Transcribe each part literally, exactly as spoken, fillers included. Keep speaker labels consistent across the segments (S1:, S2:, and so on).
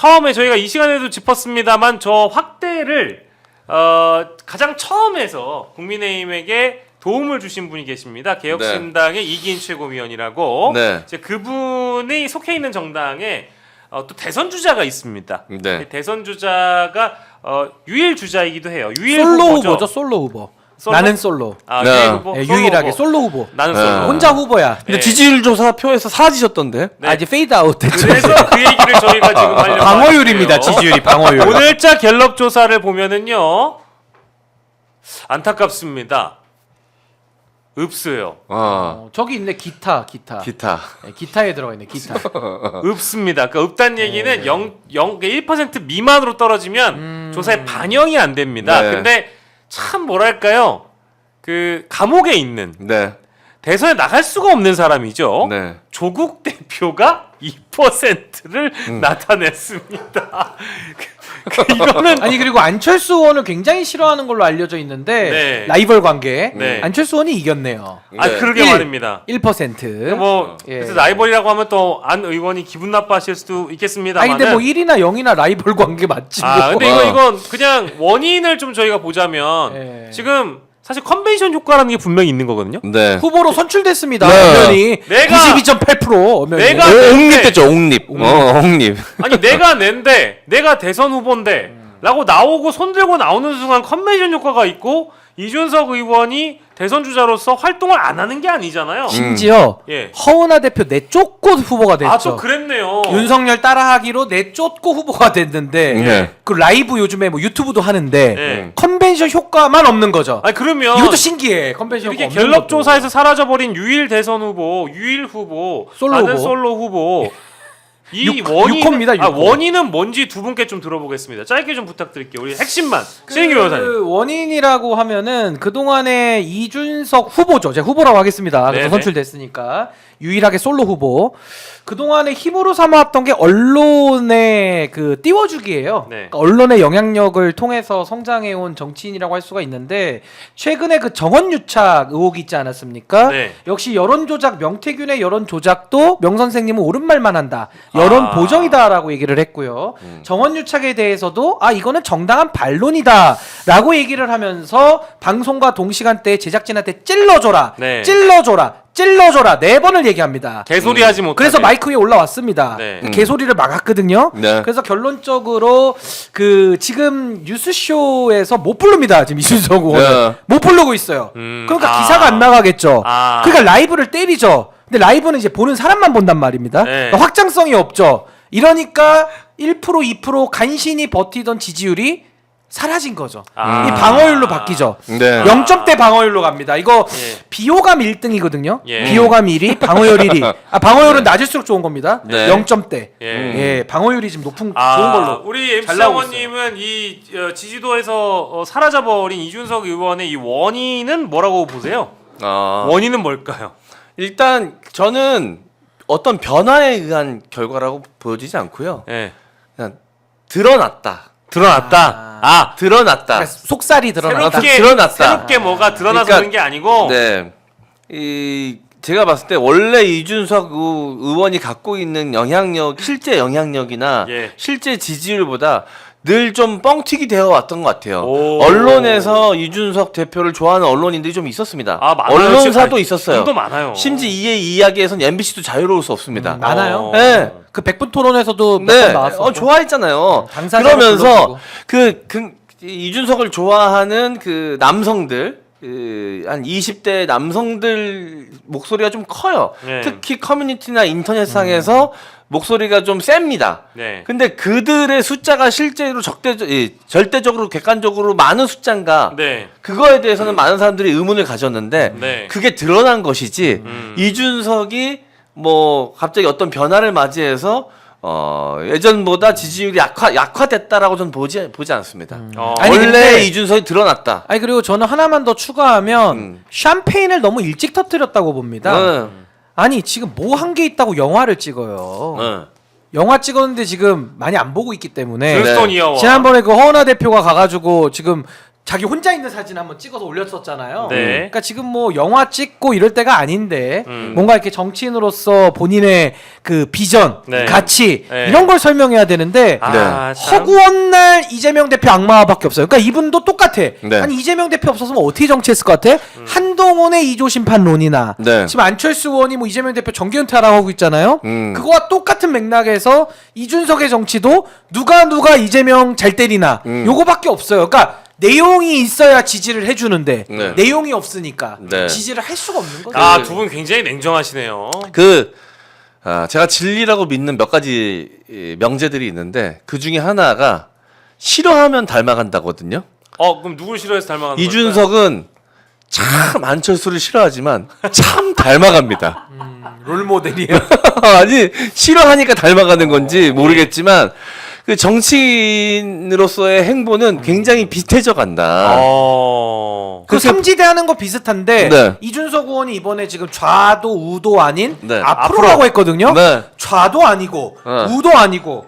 S1: 처음에 저희가 이 시간에도 짚었습니다만 저 확대를 어, 가장 처음에서 국민의힘에게 도움을 주신 분이 계십니다. 개혁신당의 네. 이기인 최고위원이라고. 네. 이제 그분이 속해 있는 정당에 어, 또 대선 주자가 있습니다. 네. 대선 주자가 어, 유일 주자이기도 해요. 유일
S2: 솔로
S1: 후보죠.
S2: 후보죠. 솔로 후보.
S1: 솔로?
S2: 나는 솔로.
S1: 아,
S3: 네.
S1: 유일 후보?
S2: 네,
S1: 솔로
S2: 유일하게
S1: 후보.
S2: 솔로 후보.
S1: 나는
S3: 네.
S1: 솔로.
S2: 혼자 후보야.
S3: 근데
S1: 네.
S3: 지지율 조사 표에서 사라지셨던데?
S1: 네.
S2: 아 이제 페이드 아웃 됐죠.
S1: 그래서 그 얘기를 저희가 지금 하려고
S2: 방어율입니다.
S1: 하는데요.
S2: 지지율이 방어율.
S1: 오늘자 갤럽 조사를 보면은요 안타깝습니다. 없어요.
S3: 어.
S2: 어, 저기 있네 기타 기타.
S3: 기타.
S2: 네, 기타에 들어가 있네 기타.
S1: 없습니다. 그러니까 없다는 얘기는
S2: 네.
S1: 영, 영, 일 퍼센트 미만으로 떨어지면
S2: 음...
S1: 조사에 반영이 안 됩니다.
S3: 네.
S1: 근데 참 뭐랄까요? 그 감옥에 있는
S3: 네.
S1: 대선에 나갈 수가 없는 사람이죠.
S3: 네.
S1: 조국 대표가 이 퍼센트를
S3: 음.
S1: 나타냈습니다. 그, 이거는
S2: 아니 그리고 안철수 의원을 굉장히 싫어하는 걸로 알려져 있는데
S1: 네.
S2: 라이벌 관계
S1: 네.
S2: 안철수 의원이 이겼네요.
S1: 아
S3: 네.
S1: 그러게
S2: 일.
S1: 말입니다.
S2: 일 퍼센트.
S1: 뭐
S2: 예.
S1: 그래서 라이벌이라고 하면 또 안 의원이 기분 나빠하실 수도 있겠습니다만.
S2: 아니 근데 뭐 일이나 영이나 라이벌 관계 맞지.
S1: 아
S2: 뭐.
S1: 근데 이거
S3: 어.
S1: 이건 그냥 원인을 좀 저희가 보자면
S2: 예.
S1: 지금 사실 컨벤션 효과라는 게 분명히 있는 거거든요.
S3: 네.
S2: 후보로 선출됐습니다.
S3: 네.
S2: 엄연히
S1: 내가-
S2: 구십이 점 팔 퍼센트 엄연히.
S1: 내가-
S3: 오, 옹립 됐죠, 옹립. 어, 옹립.
S1: 아니 내가 낸데 내가 대선 후보인데 라고 나오고 손들고 나오는 순간 컨벤션 효과가 있고 이준석 의원이 대선 주자로서 활동을 안 하는 게 아니잖아요.
S2: 심지어
S1: 예.
S2: 허은하 대표 내쫓고 후보가 됐죠.
S1: 아 또 그랬네요.
S2: 윤석열 따라하기로 내쫓고 후보가 됐는데
S3: 네.
S2: 그 라이브 요즘에 뭐 유튜브도 하는데
S1: 네.
S2: 컨벤션 효과만 없는 거죠.
S1: 아니 그러면
S2: 이것도 신기해. 컨벤션
S1: 이렇게
S2: 효과 없는
S1: 갤럽
S2: 것도.
S1: 조사에서 사라져버린 유일 대선 후보, 유일 후보,
S2: 솔로
S1: 나는
S2: 후보.
S1: 솔로 후보. 이
S2: 육-
S1: 원인
S2: 육호입니다,
S1: 아,
S2: 육호.
S1: 원인은 뭔지 두 분께 좀 들어보겠습니다. 짧게 좀 부탁드릴게요. 우리 핵심만 신인규 변호사님.
S2: 그 원인이라고 하면은 그동안에 이준석 후보죠. 제가 후보라고 하겠습니다. 그래서
S1: 네네.
S2: 선출됐으니까 유일하게 솔로 후보. 그동안에 힘으로 삼아왔던 게 언론의 그 띄워주기예요.
S1: 네.
S2: 그러니까 언론의 영향력을 통해서 성장해온 정치인이라고 할 수가 있는데 최근에 그 정원유착 의혹이 있지 않았습니까?
S1: 네.
S2: 역시 여론조작 명태균의 여론조작도 명 선생님은 옳은 말만 한다. 여론
S1: 아.
S2: 보정이다라고 얘기를 했고요. 정원유착에 대해서도 아 이거는 정당한 반론이다라고 얘기를 하면서 방송과 동시간대에 제작진한테 찔러줘라,
S1: 네.
S2: 찔러줘라, 찔러줘라 네 번을 얘기합니다.
S1: 개소리 하지 못하게.
S2: 그래서 마이크 위에 올라왔습니다.
S1: 네.
S2: 그 개소리를 막았거든요.
S3: 네.
S2: 그래서 결론적으로 그 지금 뉴스쇼에서 못 부릅니다. 지금 이준석 의원은
S3: 네.
S2: 못 부르고 있어요.
S1: 음,
S2: 그러니까
S1: 아.
S2: 기사가 안 나가겠죠.
S1: 아.
S2: 그러니까 라이브를 때리죠. 근데 라이브는 이제 보는 사람만 본단 말입니다.
S1: 네.
S2: 그러니까 확장성이 없죠. 이러니까 일 퍼센트 이 퍼센트 간신히 버티던 지지율이 사라진 거죠.
S1: 아.
S2: 이 방어율로 바뀌죠.
S3: 네.
S2: 영 점대 방어율로 갑니다. 이거
S1: 예.
S2: 비호감 일 등이거든요.
S1: 예.
S2: 비호감 일 위, 방어율 일 위. 아, 방어율은 낮을수록 좋은 겁니다.
S3: 네.
S2: 영 점대.
S1: 예.
S2: 예. 방어율이 지금 높은
S1: 아,
S2: 좋은 걸로.
S1: 우리
S2: 잘
S1: 엠씨
S2: 나오고
S1: 장원님은 이 어, 지지도에서 어, 사라져버린 이준석 의원의 이 원인은 뭐라고 보세요?
S3: 어,
S1: 원인은 뭘까요?
S3: 일단 저는 어떤 변화에 의한 결과라고 보여지지 않고요.
S1: 예.
S3: 그냥 드러났다.
S1: 드러났다. 아,
S3: 드러났다.
S2: 그러니까 속살이 드러났다.
S1: 새롭게
S3: 드러났다.
S1: 새롭게 뭐가 드러나서
S3: 그러니까-
S1: 그런 게 아니고.
S3: 네. 이 제가 봤을 때 원래 이준석 의- 의원이 갖고 있는 영향력, 실제 영향력이나
S1: 예.
S3: 실제 지지율보다 늘 좀 뻥튀기 되어 왔던 것 같아요.
S1: 오.
S3: 언론에서 이준석 대표를 좋아하는 언론인들이 좀 있었습니다.
S1: 아, 많아요.
S3: 언론사도
S1: 아니,
S3: 있었어요.
S1: 지금도 많아요.
S3: 심지어 이 이야기에서는 엠비씨도 자유로울 수 없습니다.
S2: 음, 많아요.
S1: 어.
S3: 네.
S2: 그 백분 토론에서도 몇
S3: 네,
S2: 번 나왔었고.
S3: 어, 좋아했잖아요.
S2: 당사자를
S3: 그러면서
S2: 불러주고.
S3: 그, 그 이준석을 좋아하는 그 남성들, 그, 한 이십 대 남성들 목소리가 좀 커요.
S1: 네.
S3: 특히 커뮤니티나 인터넷상에서 목소리가 좀 셉니다.
S1: 네.
S3: 근데 그들의 숫자가 실제로 적대적, 예, 절대적으로 객관적으로 많은 숫자인가?
S1: 네.
S3: 그거에 대해서는 많은 사람들이 의문을 가졌는데
S1: 네.
S3: 그게 드러난 것이지
S1: 음.
S3: 이준석이 뭐 갑자기 어떤 변화를 맞이해서 어 예전보다 지지율이 약화 약화됐다라고 저는 보지 보지 않습니다.
S1: 어.
S2: 아니,
S3: 원래
S2: 근데-
S3: 이준석이 드러났다.
S2: 아니 그리고 저는 하나만 더 추가하면
S3: 음.
S2: 샴페인을 너무 일찍 터뜨렸다고 봅니다.
S3: 응.
S2: 아니 지금 뭐 한 게 있다고 영화를 찍어요.
S3: 응.
S2: 영화 찍었는데 지금 많이 안 보고 있기 때문에
S1: 글스톤 이어워.
S2: 지난번에 그 허은하 대표가 가가지고 지금 자기 혼자 있는 사진 한번 찍어서 올렸었잖아요.
S1: 네.
S2: 그러니까 지금 뭐 영화 찍고 이럴 때가 아닌데
S1: 음.
S2: 뭔가 이렇게 정치인으로서 본인의 그 비전,
S1: 네.
S2: 가치
S1: 네.
S2: 이런 걸 설명해야 되는데
S1: 아, 참.
S2: 허구한 날 이재명 대표 악마밖에 없어요. 그러니까 이분도 똑같아.
S3: 네.
S2: 아니 이재명 대표 없었으면 어떻게 정치했을 것 같아?
S1: 음.
S2: 한동훈의 이조 심판론이나
S3: 네.
S2: 지금 안철수 의원이 뭐 이재명 대표 정계 은퇴하라고 하고 있잖아요.
S3: 음.
S2: 그거와 똑같은 맥락에서 이준석의 정치도 누가 누가 이재명 잘 때리나
S3: 음.
S2: 요거밖에 없어요. 그러니까 내용이 있어야 지지를 해주는데
S3: 네.
S2: 내용이 없으니까
S3: 네.
S2: 지지를 할 수가 없는 거죠.
S1: 아, 두 분 굉장히 냉정하시네요.
S3: 그 아, 제가 진리라고 믿는 몇 가지 이, 명제들이 있는데 그 중에 하나가 싫어하면 닮아간다거든요.
S1: 어, 그럼 누굴 싫어해서 닮아가는 걸까요?
S3: 이준석은 참 안철수를 싫어하지만 참 닮아갑니다.
S2: 음, 롤 모델이에요.
S3: 아니 싫어하니까 닮아가는 건지 모르겠지만 그 정치인으로서의 행보는 굉장히 비슷해져 간다.
S1: 어.
S2: 그 삼지대하는 거 비슷한데
S3: 네.
S2: 이준석 의원이 이번에 지금 좌도 우도 아닌
S3: 네.
S2: 앞으로라고
S1: 앞으로.
S2: 했거든요.
S3: 네.
S2: 좌도 아니고
S3: 어.
S2: 우도 아니고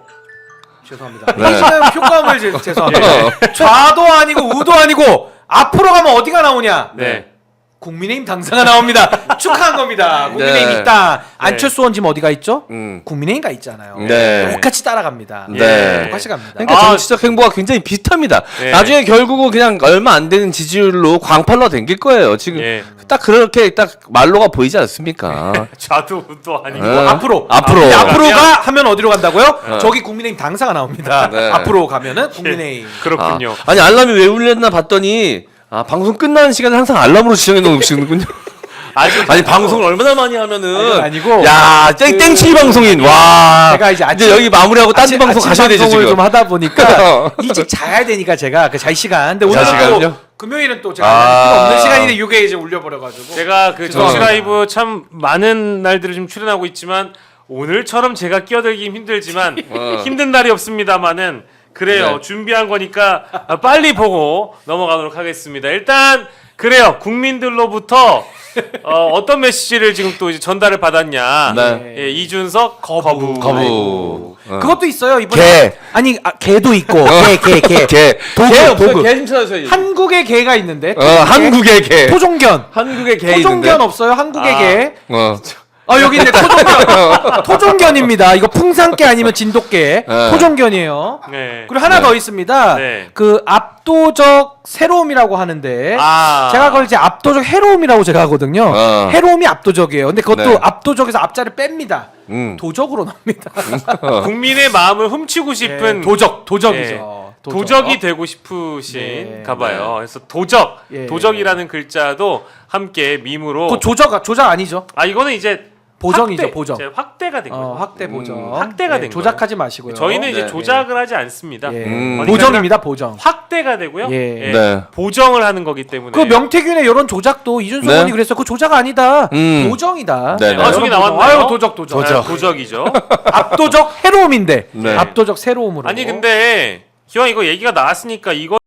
S2: 죄송합니다.
S3: 네.
S2: 지금 효과음을 제, 죄송합니다. 좌도 아니고 우도 아니고 앞으로 가면 어디가 나오냐?
S1: 네.
S2: 국민의힘 당사가 나옵니다. 축하한 겁니다. 국민의힘
S3: 네.
S2: 있다. 안철수 의원 지금 어디가 있죠?
S3: 음.
S2: 국민의힘 가 있잖아요.
S3: 네.
S2: 똑같이 따라갑니다.
S3: 네.
S2: 똑같이 갑니다.
S3: 그러니까
S1: 아.
S3: 정치적 행보가 굉장히 비슷합니다.
S1: 네.
S3: 나중에 결국은 그냥 얼마 안 되는 지지율로 광팔로 댕길 거예요. 지금
S1: 예.
S3: 딱 그렇게 딱 말로가 보이지 않습니까?
S1: 좌도 우도 아니고.
S3: 네.
S2: 앞으로
S3: 앞으로.
S2: 근데
S1: 아,
S2: 앞으로가
S1: 가면-
S2: 하면 어디로 간다고요?
S3: 어.
S2: 저기 국민의힘 당사가 나옵니다.
S3: 네.
S2: 앞으로 가면은 국민의힘.
S1: 그렇군요.
S3: 아, 아니 알람이 왜 울렸나 봤더니 아 방송 끝나는 시간에 항상 알람으로 지정해 놓으시는군요.
S1: 아직
S3: 아니 방송을 얼마나 많이 하면은
S2: 아니, 아니고
S3: 야 땡, 땡칠 방송인 와
S2: 제가 이제 아침-
S3: 여기 마무리하고 딴 데
S2: 아침-
S3: 방송
S2: 아침
S3: 가셔야 되죠
S2: 방송을
S3: 지금.
S2: 좀 하다 보니까 일찍 자야 되니까 제가 그 잘 시간. 근데 오늘
S3: 잘
S2: 또
S3: 시간은요?
S2: 금요일은 또 제가
S3: 아.
S2: 필요 없는 시간인데 이게 이제 울려버려가지고.
S1: 제가 그
S2: 죄송합니다.
S1: 정치 라이브 참 많은 날들을 좀 출연하고 있지만 오늘처럼 제가 끼어들기 힘들지만
S3: 어.
S1: 힘든 날이 없습니다만은 그래요.
S3: 네.
S1: 준비한 거니까 빨리 보고 넘어가도록 하겠습니다. 일단 그래요. 국민들로부터 어, 어떤 메시지를 지금 또 이제 전달을 받았냐?
S3: 네.
S1: 예, 이준석 거부.
S3: 거부. 어.
S2: 그것도 있어요 이번에.
S3: 개.
S2: 아니 아, 개도 있고 개 개 개.
S3: 개.
S2: 도구,
S3: 개 없어요.
S2: 도구.
S3: 개 좀 찾아주세요.
S2: 한국의 개가 있는데.
S3: 어, 한국의 개.
S2: 토종견.
S3: 한국의 개
S2: 토종견
S3: 있는데.
S2: 없어요 한국의
S1: 아.
S2: 개.
S3: 어.
S2: 아 여기 있네 토종견. 토종견입니다. 이거 풍산개 아니면 진돗개.
S3: 네.
S2: 토종견이에요.
S1: 네.
S2: 그리고 하나
S3: 네.
S2: 더 있습니다.
S1: 네.
S2: 그 압도적 새로움이라고 하는데
S1: 아.
S2: 제가 그걸 이제 압도적 해로움이라고 제가 하거든요.
S3: 어.
S2: 해로움이 압도적이에요. 근데 그것도
S3: 네.
S2: 압도적에서 앞자를 뺍니다.
S3: 음.
S2: 도적으로 나옵니다.
S1: 국민의 마음을 훔치고 싶은
S2: 예, 도적, 도적이죠.
S1: 예,
S2: 도적.
S1: 도적이 되고 싶으신
S2: 네.
S1: 가봐요. 그래서 도적,
S2: 예.
S1: 도적이라는 글자도 함께 밈으로.
S2: 그 조적, 조작 아니죠?
S1: 아 이거는 이제
S2: 보정이죠,
S1: 확대,
S2: 보정.
S1: 이제 확대가 된 거죠.
S2: 어, 확대 보정.
S3: 음,
S1: 확대가
S2: 예,
S1: 된
S2: 조작하지 마시고요.
S1: 저희는 이제
S3: 네.
S1: 조작을 하지 않습니다.
S2: 예.
S3: 음.
S1: 어디까지나
S2: 보정입니다, 보정.
S1: 확대가 되고요.
S2: 예.
S1: 예,
S3: 네.
S1: 보정을 하는 거기 때문에.
S2: 그 명태균의 이런 조작도 이준석
S3: 네.
S2: 의원이 그랬어. 그 조작 아니다.
S3: 음.
S2: 보정이다.
S3: 네, 네.
S1: 아, 저기 나왔나요?
S2: 아유, 도적, 도적.
S1: 아, 도적이죠.
S2: 압도적 해로움인데.
S3: 네.
S2: 압도적 새로움으로.
S1: 아니 근데 기왕 이거 얘기가 나왔으니까 이거